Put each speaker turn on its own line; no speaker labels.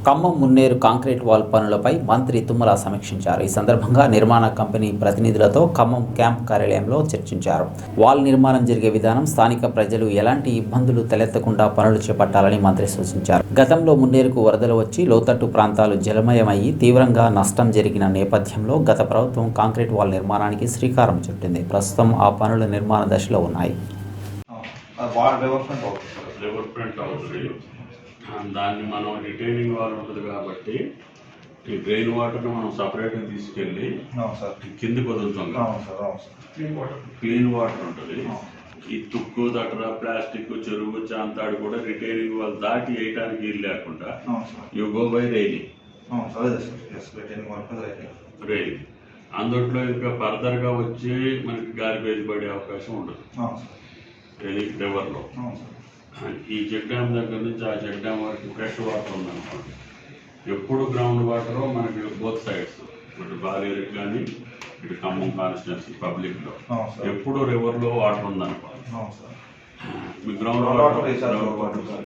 Khammam Munneru concrete wall పనులపై మంత్రి తుమ్మల సమీక్షించారు. ఈ సందర్భంగా నిర్మాణ కంపెనీ ప్రతినిధులతో ఖమ్మం క్యాంప్ కార్యాలయంలో చర్చించారు. వాల్ నిర్మాణం జరిగే విధానం, స్థానిక ప్రజలు ఎలాంటి ఇబ్బందులు తలెత్తకుండా పనులు చేపట్టాలని మంత్రి సూచించారు. గతంలో మున్నేరుకు వరదలు వచ్చి లోతట్టు ప్రాంతాలు జలమయమయ్యి తీవ్రంగా నష్టం జరిగిన నేపథ్యంలో గత ప్రభుత్వం కాంక్రీట్ వాల్ నిర్మాణానికి శ్రీకారం చుట్టింది. ప్రస్తుతం ఆ పనుల నిర్మాణ దశలో ఉన్నాయి.
దాన్ని మనం రిటైనింగ్ వాల్ ఉంటుంది కాబట్టి ఈ డ్రైన్ వాటర్ని మనం సపరేట్గా తీసుకెళ్ళి కిందికి వదులుతాం. క్లీన్ వాటర్ ఉంటుంది. ఈ తుక్కు దటర ప్లాస్టిక్ చెరువు చాంతాడు కూడా రిటైనింగ్ వాల్ దాటి వేయడానికి వీలు లేకుండా యూ గో బై రైలింగ్. అందుట్లో ఇంకా ఫర్దర్గా వచ్చి మనకి గార్బేజ్ పడే అవకాశం ఉండదు రివర్లో. ఈ చెక్ డ్యామ్ దగ్గర నుంచి ఆ చెక్ డ్యామ్ వరకు ఫ్రెష్ వాటర్ ఉందనుకోండి, ఎప్పుడు గ్రౌండ్ వాటర్ మనకి బోత్ సైడ్స్, ఇటు బాలేరుకి కానీ ఇటు ఖమ్మం కాన్స్టిట్యున్సీ పబ్లిక్లో ఎప్పుడు రివర్లో వాటర్ ఉందనుకోండి, మీ గ్రౌండ్ వాటర్